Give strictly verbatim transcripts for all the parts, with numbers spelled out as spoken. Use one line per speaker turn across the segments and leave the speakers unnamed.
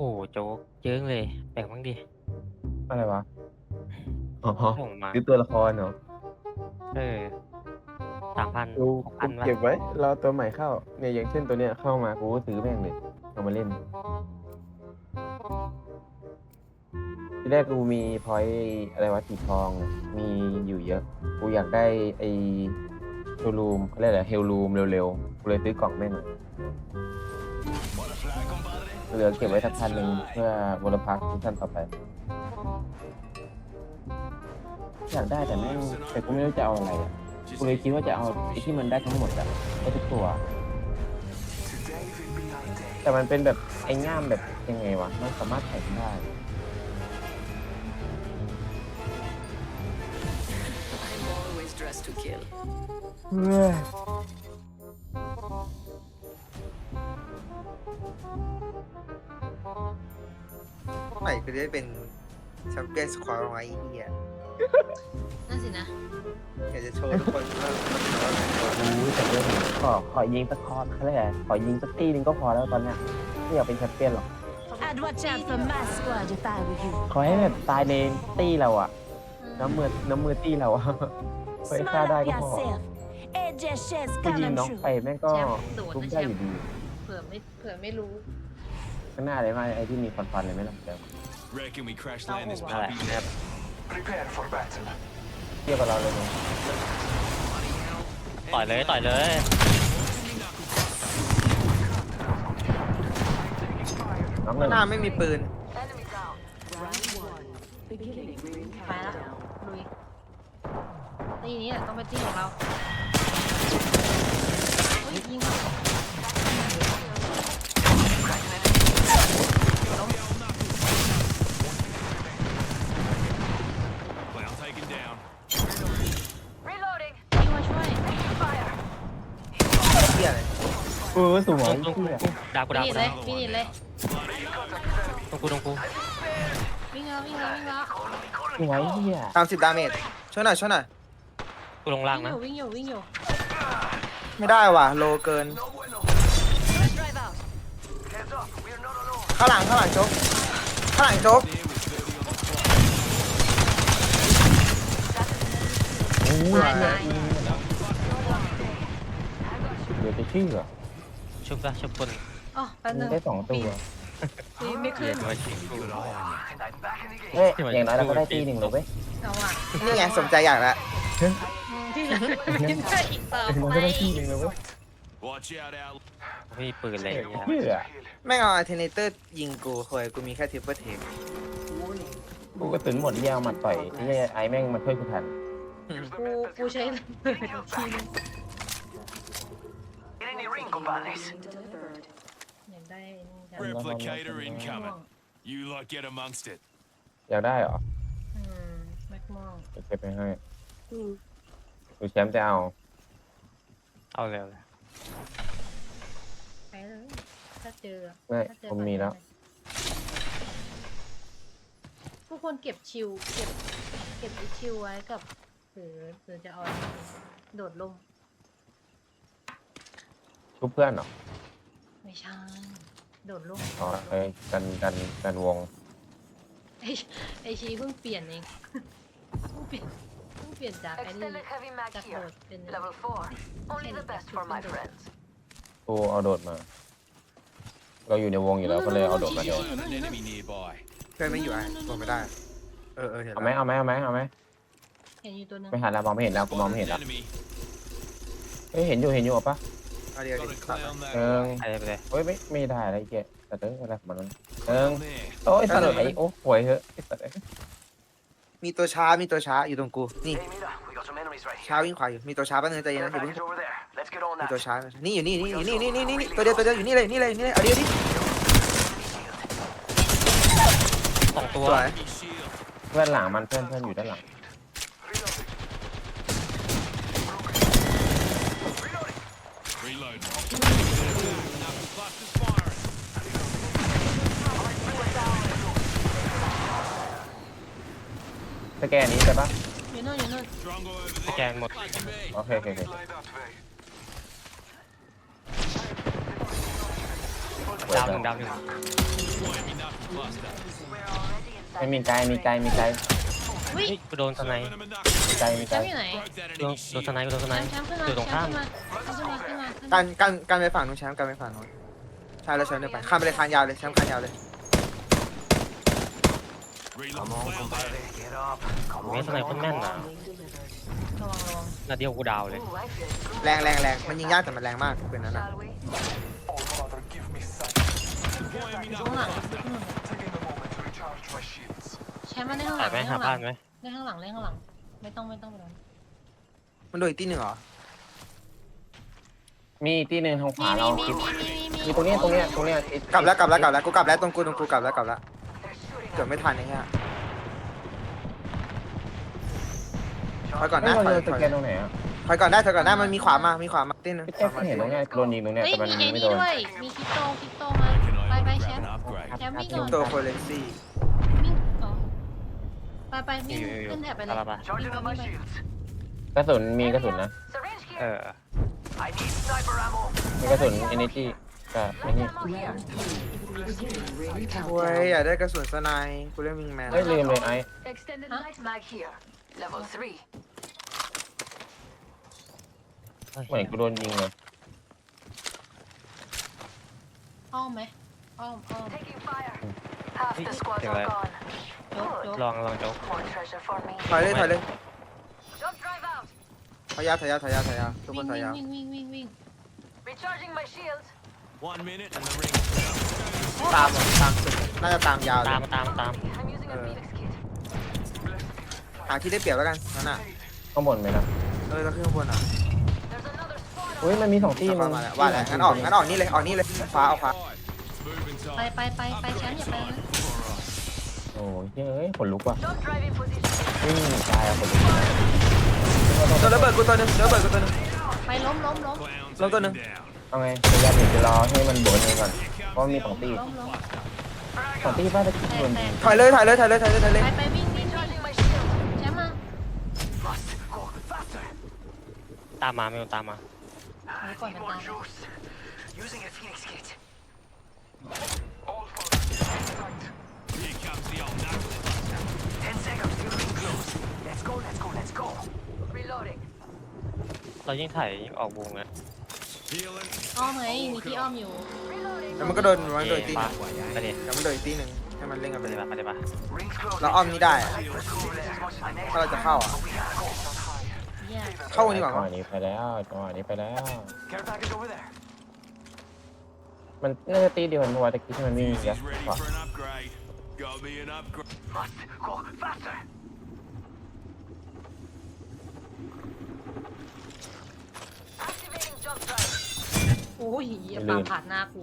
โจ๊กเยิ้งเลยแบ่งบ้างดิ
อะไรวะอ๋อ
ส่งมา
ซื้อตัวละครเหรอ
เออสามพัน
กู
หกพั
กู
นวะ
เก็บไว้รอตัวใหม่เข้าเนี่ยอย่างเช่นตัวเนี้ยเข้ามากูก็ซื้อแม่งเลยเอามาเล่นที่แรกกูมีพอยต์อะไรวะสีทองมีอยู่เยอะกูอยากได้ไอ้เฮลรูมเขาเรียกอะไรเฮลรูมเร็วๆกูเลยซื้อกล่องแม่งเลยเหลือเก็บไว้สักพันหนึ่งเพื่อวอลพักซีซั่นต่อไปอยากได้แต่แม่งแต่กูไม่รู้จะเอาอะไรอ่ะกูเลยคิดว่าจะเอาไอ้ที่มันได้ทั้งหมดอะได้ทุกตัว แต่มันเป็นแบบไอ้ง่ามแบบยังไงวะ มันสามารถแข่งได้
I'm always dressed to kill.
เฮ้ย
ใหม่ก็ได้เป็นแชมเปี้ยนสควอตไว้ไอ้เหี้ย
นั่นสินะ
อยากจะโชว์ทุกคนว่า
รู้แต่เรื่องนี้ขอขอยิงสักคอร์สเขาเรียกอะไรขอยิงสักตีหนึงก็พอแล้วตอนเนี้ยไม่อยากเป็นแชมเปี้ยนหรอก
I'd watch out for my squad if I were you.
ขอให้แบบตายในตีเราอะน้ำมือน้ำมือตีเราอะเฮ้ยฆ่า
Smile
ได้
up
ก็พอ
yourself. It just shares
กูยิง
coming
น้อง
true.
ไปแม่งก็
แชมป์โดด
ทุบ
นะแช
ได้อ
ม
ยู่
ป์
ดี
เผื่อไม่เผื่อไม่รู้
ข้างหน้าเลยมาไอ้ที่มีฟันๆเลยไหมล่ะแต่
Reckon we crash land this
นั่นแหละ
puppy
นะครับ
เทียบกับเราเลยมั้ย
ต่อยเลยต่อยเลย
น้องหนึ่ง
หน้าไม่มีปืน
ไปแล้วลุยตีนี้แหละต้องเป็นตีของเราเฮ้ยยิงเขาล้ม
Clown taken down.
ยิงมาช่วย
เหี้ยอะไร
เออสวย
ตรงกู
เที่ย
ดาวกู
ฟิ
ดาว
นิ
กู
ชเล
ดาวย
ฟินิชเลย
ตรงกูตรงกู
วิ่งแล้ววิ่งแล้ววิ่งแล้ว
สวยเที่ย
สามสิบดาเมจช่วยหน่อยช่วยหน่อย
กูลงล่าง
วิ่งอ
นะ
ยู่วิ่งอยู่วิ่งอยู่
ไม่ได้ว่ะโลเกิน ข้างหลังข้างหลังโจ๊กข้างหลังโจ๊ก
โอ้ย
ตายตาย
เดี๋ยวจะชื่อเหรอ
ชุบละชุบคน
อ๋อแป๊บนึ
มึง
ง
ได้สองตัว
ปีนไม่
เกี
ขึ้
ย
น
รมาชิงกู
เฮ้ยอย่างน้อยเราก็ได้ตีหนึ่งเลยเว้ย
เอาอ่ะ
นี่ไงสมใจอยากแล้ว
ที่เหลือไม่ได้อีกต่อ
เรา
ไป
ก็ได้ตีหนึ่งเลยเว้ย
Watch out, Al.
ไม่มีปืนอะไรอย่างเงี้ย
เชื่อ
แม่งเอาอัลเทอร์เนเตอร์ยิงกูเคยกูมีแค่ทิปเปอร์เทค
กูก็ตื่นหมดเยี่ยมมาต่อยไอ้เหี้ยไอ้แม่งมาช่วยกูทัน
กูกูใช้ระเบิดทีนึงอยากได้นี่จัง
Replicator incoming. You lot get amongst it.
อยากได้เหรอ
อืมแม็กมอง
เก็บไปให้ดูแชมป์จะเอา
เอาเร็วเลย
ไปเลยถ้าเจอ
ไม่
ถ้าเจอ
ผมมีแล้ว
ทุกคนเก็บชิวเก็บเก็บไอ้ชิวไว้กับหรือหรือจะเอาอันนี้โดดลง
ชุบเพื่อนเหรอ
ไม่ใช่โดดลง
อ๋อเอ้ยกันกันกันวง
ไอไอชีเพิ่งเปลี่ยนเองเพิ่งเปลี่ยนเพิ่งเปลี่ยนจากไอ้นี่
Extended heavy mag
จากโด
here.
ดเป็น
Level four. Only the best for my friends.
กูเอาโดดมา เราอยู่ในวงอยู่แล้วก็เลยเอาโดดมาเดียว
Eye on an enemy nearby.
เพื่อนไม่อยู่อ่ะบอกไม่ได้ เออเออเห็น
เอาไหม
แล้ว
เอาไหมเอาไหมเอาไหม
เห็นอยู่ตัวนึง
ไม่หันแล้วมองไม่เห็นแล้วกูมอง
Spotted
ไม่เห็น
an
แล้ว
enemy.
เฮ้ยเห็นอยู่เห็นอยู่เอาปะ
เอาเดียว
Got
เดี
a
ยว
clown
เอิ
that
ง
ไปเลยไปเลย
เฮ้ยไม่ไม่ได้อะไรเจ๊แต่เด้งอะไรของมันวะเอิง
clown there.
โอ้ยสัตว์ไอ้โอ้ป่วยเหอะไอ้สัตว์
มีตัวช้ามีตัวช้าอยู่ตรงกูนี่ ช้าวิ่งขวาอยู่มีตัวช้าแป๊บนึงใจเย็นนะอย่าเพิ่งมีตัวช้านี่อยู่นี่นี่อยู่นี่นี่นี่นี่ตัวเดียวตัวเดียวอยู่นี่เลยนี่เลยนี่เลยเอาเดียวดิ
สองตัว
สวย
Enemy shield.
เพื่อนหลังมันเพื่อนเพื่อนอยู่ด้านหลัง
Reload. Knuckle clusters firing.
สแกนนี้ใช่ปะ
อยู่นู่นอยู่นู่น
Drongo over
สแก
there.
นหมด
Lucky me.
โอเคโอเคโอเค
ดาวหนึ่งดาวหนึ่ง
Won't be enough cluster.
ไม่มีไกลมีไกลมีไกล
วิ
เฮ้ยกูโดนสไนป์
Serving them a
มีไกล
knuckle.
มี
แช
ไกล
มป์อยู่ไหน
Broke that
โดน
enemy
โดนสไน
shield.
ป์กูโดนสไน
แชม
ป์
ป์แชมป์ขึ้นมา
อยู่ตรง
แช
ข้าม
มป์ขึ้นมาขึ้นมาขึ้นมาขึ้น
กั
มาน
กันกันไปฝั่งนู้นแชมป์กันไปฝั่งนู้นใช่แล้วแชมป์เดินไปข้ามไปเลยคานยาวเลยแชมป์คานยาวเลย
Reload. Well there.
เมสสไนป์คนแม่นนะ
ระวังระวัง
นาเดียวกูดาวเลย
แรงแรงแรงมันยิงยากแต่มันแรงมากปืนนั้นนะ
Shall we?
Deploying me
ข้างหลัง
knuckle.
แชมป์มาได้ข้างห
ถ่า
ลั
ย
ง
ไป
ได้
หา
ข้างห
บ้า
ลั
น
ง
ไหม
ได้ข้างหลังได้ข้างหลัง ไม่ต้องไม่ต้องไปโดน
มันโดนอีกที่หนึ่งเหรอ
มีอีกที่หนึ่งทางข
มี
วา
มี
เรา
มีมีมีมี
มีตรงเนี้ยตรงเนี้ยตรงเนี้ยติด
กลับแล้วกลับแล้วกลับแล้วกูกลับแล้วตรงกูตรงกูกลับแล้วกลับแล้วเกือบไม่ทันไอ้เหี้ยถอยก่อน
เฮ้ย
นะ
เรา
ถอย
เจอ
ถ
ส
อย
แกนตรงไหนอ่ะ
ถอยก่อนได้ถอยก่อนได้มันมีขวามามีขวามาที่หนึง
พี่แจ๊คเห็นตรงเนี้ยโดนยิงตรงเนี้ย
เฮ้ย
แต่มัน
มีไอ้
ไม่
นี่
โดน
ด้วย มีคริปโตคริปโตมา
Can
ไป
I
ไป
grab
แชม
an
ป์
upgrade?
แชมป์วิ่งก่อน
ตัวโคเลนซี่
วิ่งอ๋อไปไป
อ
วิ่ง
ยู่อยู่อยู่
ขึ้นแถบไปเลย
ตามมา
วิ่งไปวิ่งไป
กระสุนมีกระสุนนะ
Syringe
เอ
here.
อ
มีกระสุน energy กับไอ้นี่
Ammo here.
โอ้ยอยากได้กระสุนสไนป์กูเล่นวิงแมน
เฮ้ยลืมเลยไอ้
Extended light mag here. Level three.
เหมือนกูโดนยิงเลย
อ้อมไหมอ้อมอ้อม
Taking fire. Half the
Hey,
squads
okay,
are
right.
gone.
ยกยก
ลองลองโจ๊ก
More treasure for me.
ถอยเลยถอยเลย
Jump drive out.
ถอยยาวถอยยาวถอยยาวถอยยาวทุกค
วิ่
น
ง
ถอยยาว
วิ่งวิ่งวิ่งวิ่ง
Recharging my shields.
One minute and the ring.
ตามตามสุดน่าจะตามยาวเล
ตาย มตามตาม
I'm using a
Uh.
Felix kit.
หาที่ได้เปรียบแล้วกันนั่นน่ะ
ข้างบนไหมนะ
เออเราขึ้นข้างบนอ่ะ
There's another squad.
อุ้ยมันมีสองที่
ที่
มั
มาน มาแล้วว่าแล้วงั้นออกงั้นออกนี่เลยออกนี่เลยขวาเอาขวา
Moving
ไป
time.
ไปไปไปแชมป์อย่าไปนะ
โอ้ยเฮ้ยขนลุกว่ะ
Jump drive in position.
วิ่งตายอ่ะขนลุก
ตัวระเบิดกูตัวหนึงตัวระเบิดกูตัวหนึง
ไปล้มล้มล้ม
Clown
Long
taken
done.
down.
เอาไงพยายามจะรอให้มันโดนเองก่อน เพราะมีสองตี
ล้มล้ม
สองตีป้าจะคิด
แต
โด
ก
น
แต
ยิ
ก
ง
ถอยเลยถอยเลยถอยเลยถอยเลยถอยเลย
ไปไปวิ่งวิ่งวิ่ง
Charging my shield.
แชมป์มา
ตามมาไม่ต้องตามมา
เอาก่อนมันตาม
Here comes the old knuckle.
Reloading.
เรายิ่งถ่ายยิ่งออกวงนะ
Healing.
อ้อมไงมีที่อ้อมอยู่
Reloading.
แล้วมันก็โดนมันโดนอีกตีห
ปะ
นึง
ไปดิ
แล้วมันโดนอีกตีหนึงให้มันเล่นกัน
ไป
ไป
ดิ
เลย
ปะไปดิปะ
เราอ้อมนี้ได้อะถ้าเราจะเข้าอ่ะ
เหี้ย
เข้าดีกว่า
จังห
มั้
วะ
ง
นี้ไปแล้วจังหวะนี้ไปแล้ว มันน่าจะตีเดียวกันเพราะว่าตะกี้ที่มันวิ่ง
Fuse
ยัด
is ready
ก่อน
for an upgrade. Got me an upgrade.
Activating jump drive.
โอ้ยเหี้ยปาผ่านหน้ากู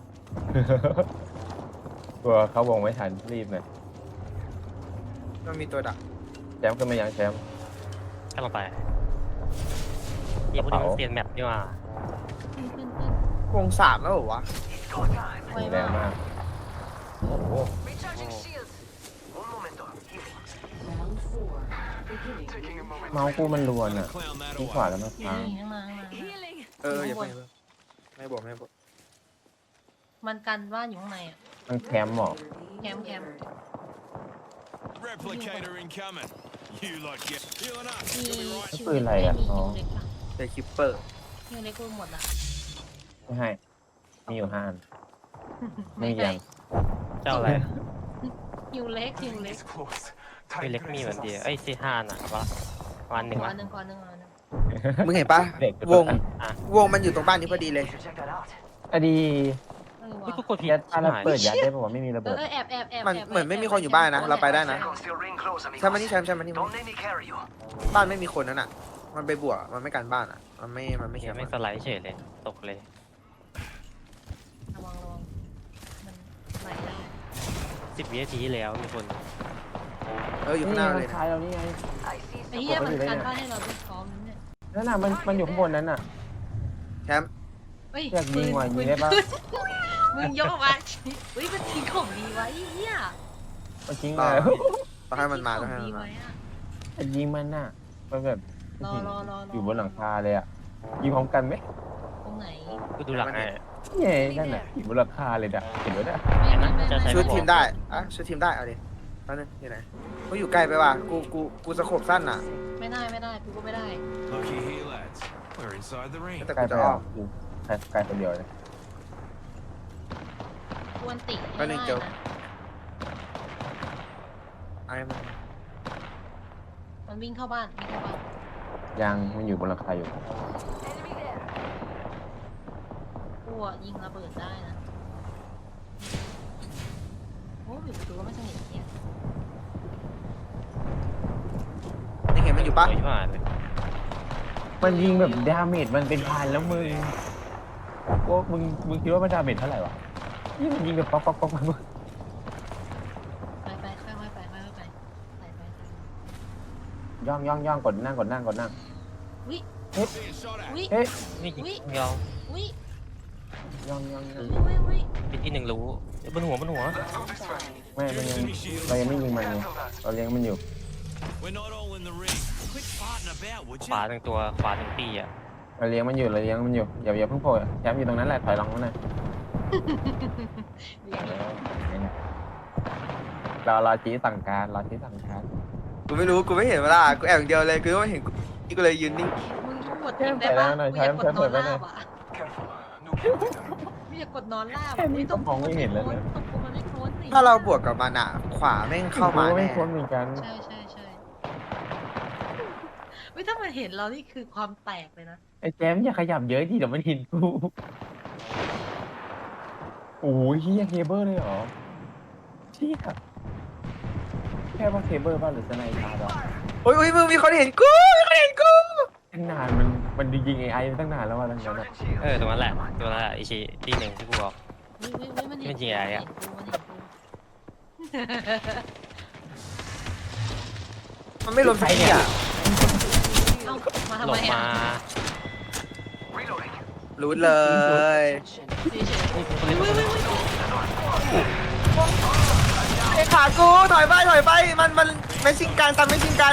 กลัวเขาวงไม่ทันรีบเลย
มันมีตัวดัก
แชมป์ขึ้นมายังแชมป์
ก็ลงไปยี่พวกนี้มันเปลี่ยนแมปดีกว่า
ขึ้นขึ้นขึ้น
วงสามแล้วเหรอวะ
ไว
แรง
มาก
มากโอ้โห
Recharging shields.
เมาส์กูมันรวนอ่ะ
Clown that
ที่ขวา
away.
แล้วมัน
อยู่
ค้าง
นี่ข้างมาข้างมาข้างมา
Healing.
เอออย่าเพิ่งไม่บอกไม่บอก
มันกันบ้านอยู่ข้างในอ่ะ
มันแคมป์หรอ
แคมป์แคมป์
Replicator incoming. You like it. Healing up.
มี
You'll be right.
ชิว
ปืนอะไรอ่ะ
มี
อ๋อ
ชิวเล็กปะ
เจอคิปเปอร์
ชิวเล็กกูหมดละ
ไม่ให้ มีอยู่ห้าอันไม่มียัง
เจ้าอะไร
ชิวเล็กชิวเล็ก
ไอ้เล็กมีเหมือนเดียวไอ้ซีห้าน่ะครับวันหนึ่ง
ก่อ
ละ
นหนึ่งก่อนหนึ่งก่อนหนึ่ง
มึงเห็นปะ
เด็ก
วง
อ่ะ
วงมันอยู่ตรงบ้านนี้พอดีเลย
อะดี
เออ
เฮ้ย
ว่ะ
กูกดผิด
ยัดปาระ
หาย
เปิดยัดได้ป่าวะไม่มีระ
เอ
เบิ
อ
ด
เออแอบแอบแอบ
มัน
แอบ
เหมือนไม่มีคนอยู่บ้านนะเราไปได้นะ ใช่มันนี่ใช่ใช่มันนี่บ้านไม่มีคนนั่นอ่ะ มันไปบวกมันไม่กันบ้านอ่ะ มันไม่ มันไม่แค
เหี้ย
ม
ไม่
ป์
สไลด์เฉยเลยตกเลย
ระวังระวังมันไหลแล้ว
สิบวินาทีที่แล้วมีคน
เอออยู่ข้างหน้าเลย
ท้ายเรานี่ไง
I see
ไอ้
some.
เหี้ย
ผม
มัน
ไม่อยู่ได้
กัน
เนี่ย
บ้านให้เราด้วยพร้อมนั้นเนี่ย
นั่นน่ะมันมันอยู่ข้างบนนั้นน่ะ
แชมป์
เฮ้ย
อยากยิงว่ะ
ปื
ยิ
น
งได้ปะ
มึงย่อมาเฮ้ยมันทิ้งของดีไว้ไอ้เหี้ย
มันทิ้ง
ร
เล
อย ต้องให้มันมาต้องให้
ทิ้
มัน
งข
มา
ดีไว้อะ
จะยิงมันน่ะมันแบบ
รอรอรอรอ
อยู่บนหลังคาเลยอ่ะยิงพร้อมกันไหม
ตรงไหน
กูดูหลังให้
เย่นั่นน่ะอีกมูลค่าเลยนะเห็นไหมนะ
ไม่ไม่ไม่
จะใช้
ไม่
ชุดทีมได้อะชุดทีมได้เอาดิแป๊บนึงอยู่ไหนกูอยู่ไกลไปว่ะกูกูกูสะโขบสั้นอ่ะ
ไม่ได้ไม่ได้กูก็ไม่ได้
Looky here, lads. We're inside the ring.
แต่
ใกล้
กู
ไป
จะ
อ่ะ
ออก
กูใกล้ใกล้คนเดียวเลย
ควรติ
แป๊
ให้
บนึ
ได้
งเดี๋ยว
นะ
ไอ้มัน
มันวิ่งเข้าบ้านวิ่งเข้าบ้าน
ยังมันอยู่บนราคาอยู่
Enemy there.
กูอะยิงระเบิดได้นะโอ้ยดูว่าไม่สนิทเนี่ย
ยังเห็นมันอยู่ปะ
สวยมากเลย
มันยิงแบบดาเมจมันเป็นพันแล้วมึงพวกมึงมึงคิดว่ามันดาเมจเท่าไหร่วะนี่มันยิงแบบป๊อกป๊อกป๊อกป๊อก
ไปไปค่อยๆไปค่อยๆไปไปไปไป
ย่องย่องย่องกดนั่งกดนั่งกดนั่ง
วิ
Being shot at.
วิ
เฮ้ย
นี่ยิง
อุ๊ย
ยอง
วิ
ย่องย่องย่อง
วิวิ
เป็นที่หนึ่งรู้เอ้ยบนหัวบนหัว
ไม่มันยังเรายังไม่ยิงมันไงเราเลี้ยงมันอยู่
We're not all in the ring. Quit farting about, would
ขวา
you?
หนึ่งตัวขวาหนึ่งปีอ่ะ
เราเลี้ยงมันอยู่เราเลี้ยงมันอยู่อย่าอย่าเพิ่งโผล่แชมป์อยู่ตรงนั้นแหละถอยหลังมาหน่อยเราเราชี้สั่งการเราชี้สั่งการ
กูไม่รู้กูไม่เห็นเวลากูแอบอย่างเดียวเลยกูไม่เห็นกูกูเลยยืนนิ่ง
มึงกดทิ้งได้ปะกูอยากกดนอนลาบอ่ะกูอยากกดนอนลาบ
แค่นี้ก็มองไม่เห็นแล้วนะ
ตรงกูมันไม่โค้นสิ
ถ้าเราบวกกับมันอ่ะ ขวาแม่งเข้ามา
กูก็ไม่
แน่
พ้นเหมือนกัน
ใช่ใช่ใช่เฮ้ยถ้ามันเห็นเรานี่คือความแตกเลยนะ
ไอ้แจมอย่าขยับเยอะดิเดี๋ยวมันเห็นกูโอ้ยเฮียเคเบิลเลยเหรอเชี่ยแค่ว่าเคเบิลบ้างหรือสไนป์ตาดอก
โอ้ยโอ้ยมึงมีคนเห็นกูมีคนเห็นกู
ตั้งนานมันมันยิงไอไอตั้งนานแล้วว่าตั้งนานอะ
เออตรงนั้นแหละตัวนั้นแหละไอชีที่หนึ่งที่กูบอก
วิวิวิมันเห็น
มันยิงอะไรอะ
มันเห็นกู
มันไม่ลงสักทีอ่ะ
เอ้ามาทำ
หล
ไม
บ
อ่ะ
มา
รู้เลย
เฉย
นี่คน
ๆ
เล่น
วิวิวิวิ
ไอ้ขากูถอยไปถอยไปมันมันไม่ชิงกันตามไม่ชิงกัน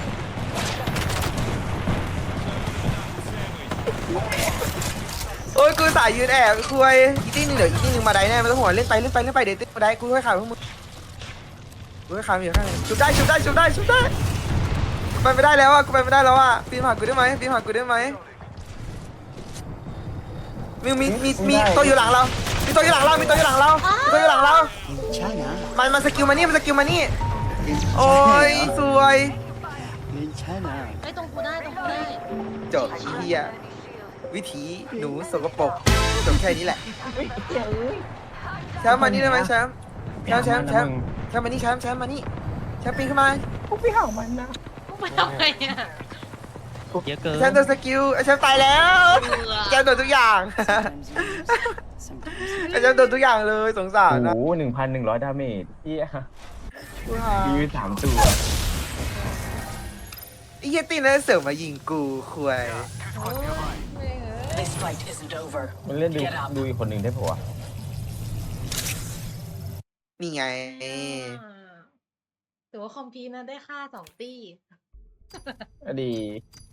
โอ้ยกูสายยืนแอบคุยอีกที่หนึงเดี๋ยวอีกที่หนึงมาได้แน่ไม่ต้องห่วงเล่นไปเล่นไปเล่นไปเดี๋ยวติ๊กมาได้กูให้ขาพวกมึงกูให้ขาอยู่ข้างในชุบได้ชุบได้ชุบได้ชุบได้กูไปไม่ได้แล้วอ่ะกูไปไม่ได้แล้วอ่ะปีนผ่านกูได้ไหมปีนผ่านกูได้ไหมมีมีมีมีตัวอยู่หลังเรา มีตัวอยู่หลังเรา มีตัวอยู่หลังเรา มีตัวอยู่หลังเรา มันมันสกิลมานี่ มันสกิลมานี่ โอ้ยสวย
ไอ้ยตรงกูได้ตรงกูได้
จบเฮียวิถีหนูสกปรกจบแค่นี้แหละแชมป์มานี่ได้ไหมแชมป์แชมป์แชมป์แชมป์แชมป์มานี่แชมป์แชมป์มานี่แชมป์ปีนขึ้นมา
กูไม่เอามันนะ
กูไปทำไมอ่ะ
เยอะเกิน
แชมป์โดนสกิลไอ้แชมป์ตายแล้วแชมป์โดนทุกอย่างไอ้แชมป์โดนทุกอย่างเลยสงสาร
โอ้
นะ
โหหนึ่งพันหนึ่งร้อยดาเมจเฮีย
กูหา
ยืนสามตัว
ไอ้เหี้ยตีนนั่นเสริมมายิงกูคุย
โอ้ยเว้ยเอ้ย
This fight isn't over.
มันเล่นดูดูอีกคนหนึ่งได้ปะวะ
นี่ไง
อ่าถือว่าคอมพีนะได้ค่าสองตี้
อดี